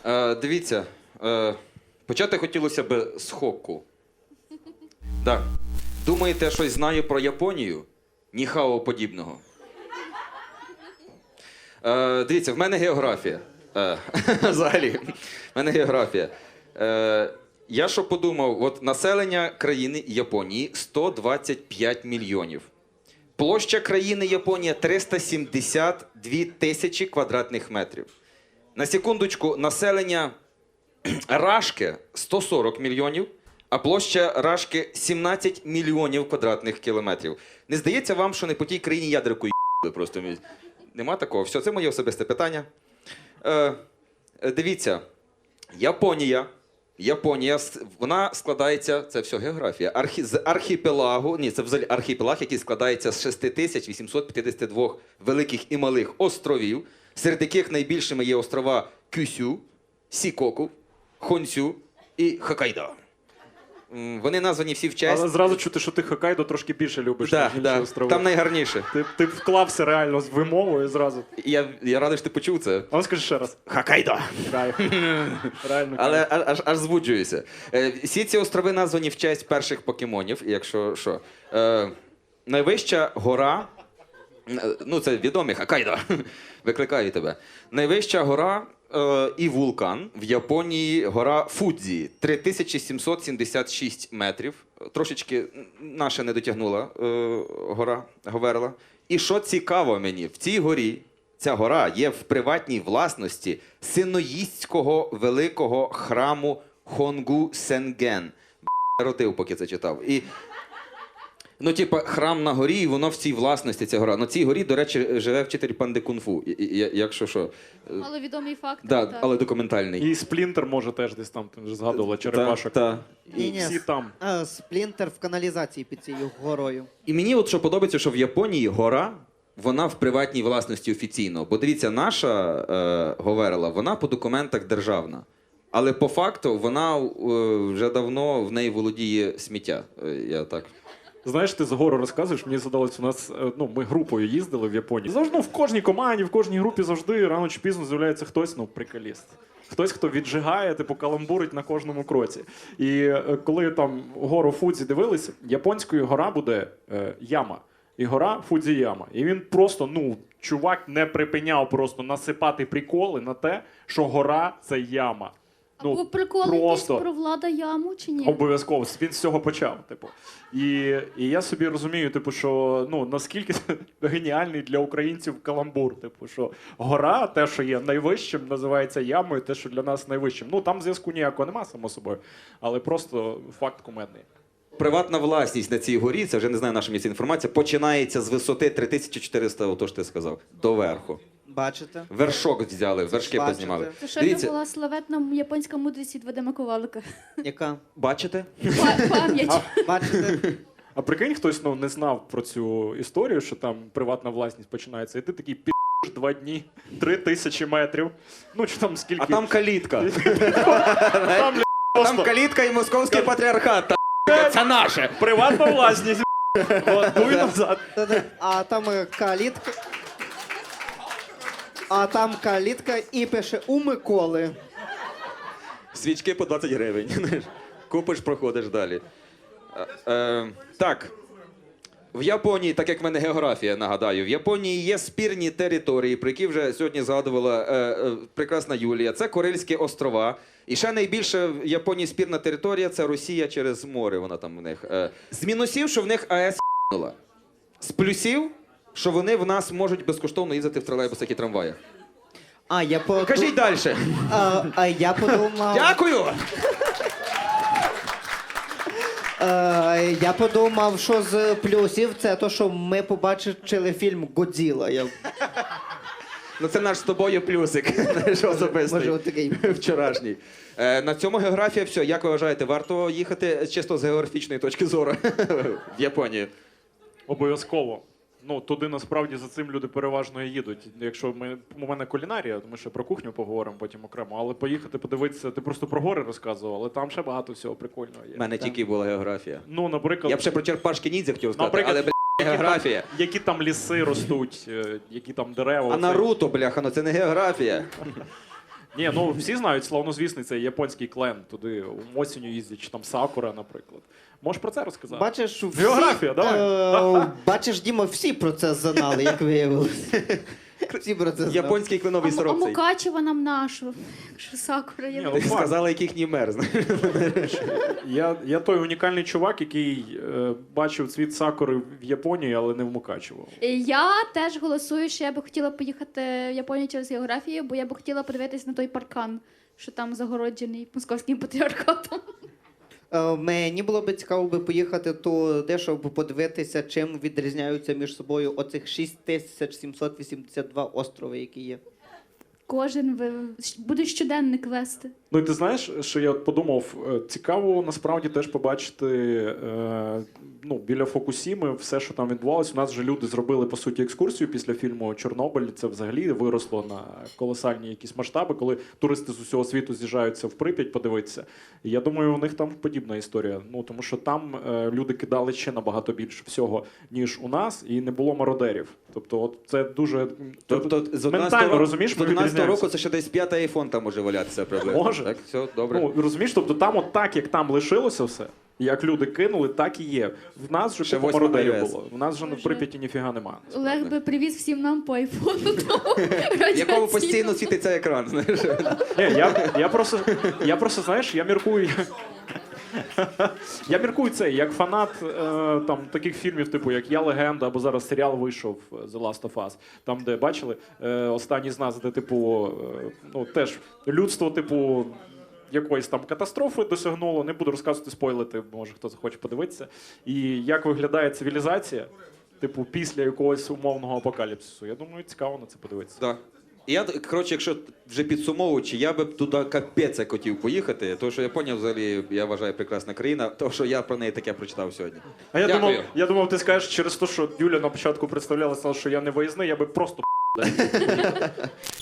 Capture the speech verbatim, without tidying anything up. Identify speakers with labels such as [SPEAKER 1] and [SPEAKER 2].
[SPEAKER 1] Е, дивіться, е, почати хотілося б з хокку. Да. Думаєте, щось знаю про Японію? Ніхао подібного. Е, дивіться, в мене географія. Е, взагалі, в мене географія. Е, я що подумав, от населення країни Японії сто двадцять п'ять мільйонів. Площа країни Японія триста сімдесят дві тисячі квадратних метрів. На секундочку, населення Рашки сто сорок мільйонів, а площа Рашки сімнадцять мільйонів квадратних кілометрів. Не здається вам, що не по тій країні ядерку ї**ли просто? Нема такого. Все, це моє особисте питання. Е, дивіться, Японія. Японія, вона складається, це все географія, архі, з архіпелагу, ні, це взагалі архіпелаг, який складається з шість тисяч вісімсот п'ятдесят два великих і малих островів, серед яких найбільшими є острова Кюсю, Сікоку, Хонсю і Хоккайдо. Вони названі всі в честь.
[SPEAKER 2] Але зразу чути, що ти Хоккайдо трошки більше любиш,
[SPEAKER 1] да,
[SPEAKER 2] ніж інші
[SPEAKER 1] да,
[SPEAKER 2] острови.
[SPEAKER 1] там найгарніше.
[SPEAKER 2] Ти, ти вклався реально з вимовою зразу.
[SPEAKER 1] Я, я радий, що ти почув це.
[SPEAKER 2] А ну скажи ще раз.
[SPEAKER 1] Хоккайдо.
[SPEAKER 2] Кайф. Реально
[SPEAKER 1] Але
[SPEAKER 2] кайф.
[SPEAKER 1] аж, аж звуджуюся. Е, всі ці острови названі в честь перших покемонів, якщо що. Е, найвища гора, ну це відомий Хоккайдо, викликаю тебе. Найвища гора е, і вулкан в Японії гора Фудзі, три тисячі сімсот сімдесят шість метрів. Трошечки наша не дотягнула е, гора Говерла. І що цікаво мені, в цій горі, ця гора є в приватній власності синоїстського великого храму Хонгу Сенген. Б**, ротив, поки це читав. І, ну, типа, храм на горі, і воно в цій власності, ця гора. На цій горі, до речі, живе вчитель панди кунг-фу, якщо що.
[SPEAKER 3] Але відомий факт.
[SPEAKER 1] Да,
[SPEAKER 3] так.
[SPEAKER 1] але документальний.
[SPEAKER 2] І Сплінтер може теж десь там, ти вже згадувала, черепашок.
[SPEAKER 1] Та, та.
[SPEAKER 2] І
[SPEAKER 4] Ні-ні,
[SPEAKER 2] всі там.
[SPEAKER 4] а, Сплінтер в каналізації під цією горою.
[SPEAKER 1] І мені от що подобається, що в Японії гора, вона в приватній власності офіційно. Бо дивіться, наша е, Говерла, вона по документах державна. Але по факту вона е, вже давно в неї володіє сміття. Е, я так.
[SPEAKER 2] Знаєш, ти з гору розказуєш, мені задалось, у нас, е, ну, ми групою їздили в Японії. Завжди, ну, в кожній команді, в кожній групі завжди рано чи пізно з'являється хтось, ну, приколіст. Хтось, хто віджигає, типу, каламбурить на кожному кроці. І е, коли там гору Фудзі дивилися, японською гора буде е, Яма. І гора Фудзіяма. І він просто, ну, чувак не припиняв просто насипати приколи на те, що гора – це яма.
[SPEAKER 3] Або
[SPEAKER 2] Ну,
[SPEAKER 3] приколи
[SPEAKER 2] просто.
[SPEAKER 3] якісь про Влада Яму чи ні?
[SPEAKER 2] Обов'язково. Він з цього почав. Типу. І, і я собі розумію, типу, що ну, наскільки це геніальний для українців каламбур. Типу, що гора, те, що є найвищим, називається ямою, те, що для нас найвищим. Ну, там зв'язку ніякого нема, само собою. Але просто факт кумедний.
[SPEAKER 1] Приватна власність на цій горі, це вже не знаю, наша місця інформація, починається з висоти три тисячі чотириста, ото ж ти сказав, до верху.
[SPEAKER 4] Бачите?
[SPEAKER 1] Вершок взяли, вершки
[SPEAKER 4] Бачите.
[SPEAKER 1] познімали.
[SPEAKER 3] Це ще не
[SPEAKER 1] Дивіться,
[SPEAKER 3] була славетна японська мудрість від Вадима Ковалика.
[SPEAKER 4] Яка?
[SPEAKER 1] бачите?
[SPEAKER 3] Па- Пам'ять.
[SPEAKER 4] Бачите?
[SPEAKER 2] А прикинь, хтось ну, не знав про цю історію, що там приватна власність починається, і ти такий пі***ш два дні, три тисячі метрів. Ну, чи там скільки.
[SPEAKER 1] А там калітка.
[SPEAKER 2] Там, бля,
[SPEAKER 1] Там
[SPEAKER 2] просто
[SPEAKER 1] калітка і московський патріархат. Та, це наше.
[SPEAKER 2] приватна власність. От, дуй назад.
[SPEAKER 4] Та-да. А там е, калітка. А там калітка і пише у Миколи.
[SPEAKER 1] Свічки по двадцять гривень. знаєш. Купиш, проходиш далі. Е, е, так. В Японії, так як в мене географія, нагадаю, в Японії є спірні території, про які вже сьогодні згадувала е, е, прекрасна Юлія. Це Курильські острова. І ще найбільша в Японії спірна територія – це Росія через море, вона там в них. Е, з мінусів, що в них АЕС ***нула. З плюсів, що вони в нас можуть безкоштовно їздити в тролейбусах і трамваях.
[SPEAKER 4] А я по...
[SPEAKER 1] Кажіть далі.
[SPEAKER 4] А, а я подумав...
[SPEAKER 1] Дякую!
[SPEAKER 4] Е, я подумав, що з плюсів це то, що ми побачили фільм «Годзіла». Я...
[SPEAKER 1] Ну це наш з тобою плюсик, знаєш, особистий.
[SPEAKER 4] Може, отакий.
[SPEAKER 1] Вчорашній. Е, на цьому географія все. Як ви вважаєте, варто їхати чисто з географічної точки зору в Японію?
[SPEAKER 2] Обов'язково. Ну, туди насправді за цим люди переважно і їдуть. Якщо ми, у мене кулінарія, то ми ще про кухню поговоримо потім окремо. Але поїхати подивитися, ти просто про гори розказував, але там ще багато всього прикольного є.
[SPEAKER 1] У мене тільки була географія.
[SPEAKER 2] Ну, наприклад,
[SPEAKER 1] Я б ще про черпашки ніндзя хотів сказати,
[SPEAKER 2] Наприклад,
[SPEAKER 1] але, бля,
[SPEAKER 2] які
[SPEAKER 1] географія.
[SPEAKER 2] Там, які там ліси ростуть, е, які там дерева.
[SPEAKER 1] А
[SPEAKER 2] оце.
[SPEAKER 1] Наруто, бляха, ну це не географія.
[SPEAKER 2] Ні, ну всі знають славнозвісний цей японський клен. Туди осінню їздять, чи там Сакура, наприклад. Можеш про це розказати?
[SPEAKER 4] Бачиш, всі,
[SPEAKER 2] Географія, давай.
[SPEAKER 4] Е, бачиш, Діма, всі про це знали, як виявилося. Всі про це знали.
[SPEAKER 1] Японський
[SPEAKER 3] А,
[SPEAKER 1] кленовий
[SPEAKER 3] М- а
[SPEAKER 1] сироп цей.
[SPEAKER 3] Мукачева нам нашу. Якщо Сакура є.
[SPEAKER 2] Ні,
[SPEAKER 1] Ти
[SPEAKER 2] ну,
[SPEAKER 1] сказала, яких ні мер, знаєш.
[SPEAKER 2] Я, я той унікальний чувак, який е, бачив цвіт Сакури в Японії, але не в Мукачево.
[SPEAKER 3] Я теж голосую, що я би хотіла поїхати в Японію через географію, бо я би хотіла подивитись на той паркан, що там загороджений московським патріархатом.
[SPEAKER 4] Е, Мені було б цікаво би поїхати туди, щоб подивитися, чим відрізняються між собою оцих шість тисяч сімсот вісімдесят два острови, які є.
[SPEAKER 3] Кожен ви... буде щоденник вести.
[SPEAKER 2] Ну і ти знаєш, що я от подумав, е, цікаво насправді теж побачити е, ну, біля Фукусіми все, що там відбувалося. У нас вже люди зробили по суті екскурсію після фільму Чорнобиль. Це взагалі виросло на колосальні якісь масштаби, коли туристи з усього світу з'їжджаються в Прип'ять подивитися. І я думаю, у них там подібна історія. Ну тому що там е, люди кидали ще набагато більше всього, ніж у нас, і не було мародерів. Тобто, от це дуже
[SPEAKER 1] Тобто з
[SPEAKER 2] ментально розумієш,
[SPEAKER 1] з
[SPEAKER 2] ми
[SPEAKER 1] одинадцятого
[SPEAKER 2] відрізняємося.
[SPEAKER 1] року це ще десь п'ятий айфон там може валятися приблизно.
[SPEAKER 2] Може.
[SPEAKER 1] Так, все, добре.
[SPEAKER 2] Ну, розумієш, тобто там от так, як там лишилося все, як люди кинули, так і є. В нас вже
[SPEAKER 1] Ще
[SPEAKER 2] купа
[SPEAKER 1] восьма
[SPEAKER 2] мародерів
[SPEAKER 1] iOS.
[SPEAKER 2] було. В нас вже в
[SPEAKER 3] Боже.
[SPEAKER 2] Прип'яті ніфіга нема.
[SPEAKER 3] Олег би привіз всім нам по айфону. тому
[SPEAKER 1] В якому
[SPEAKER 3] радіаційному.
[SPEAKER 1] постійно світиться екран, знаєш.
[SPEAKER 2] Ні, я, я просто, я просто, знаєш, я міркую. Я міркую це, як фанат е, там, таких фільмів, типу, як Я легенда, або зараз серіал вийшов The Last of Us, там, де бачили, е, останній з нас, де, типу, е, ну, теж людство, типу, якоїсь там катастрофи досягнуло. Не буду розказувати, спойлити, може хто захоче подивитися. І як виглядає цивілізація, типу, після якогось умовного апокаліпсису. Я думаю, цікаво на це подивитися.
[SPEAKER 1] Так. І я, коротше, якщо вже підсумовуючи, я би б туди капець як хотів поїхати, тому що Японія взагалі, я вважаю, прекрасна країна, тому що я про неї таке прочитав сьогодні.
[SPEAKER 2] А я
[SPEAKER 1] Дякую.
[SPEAKER 2] думав, я думав, ти скажеш через те, що Юля на початку представляла, сказала, що я не виїзний, я би просто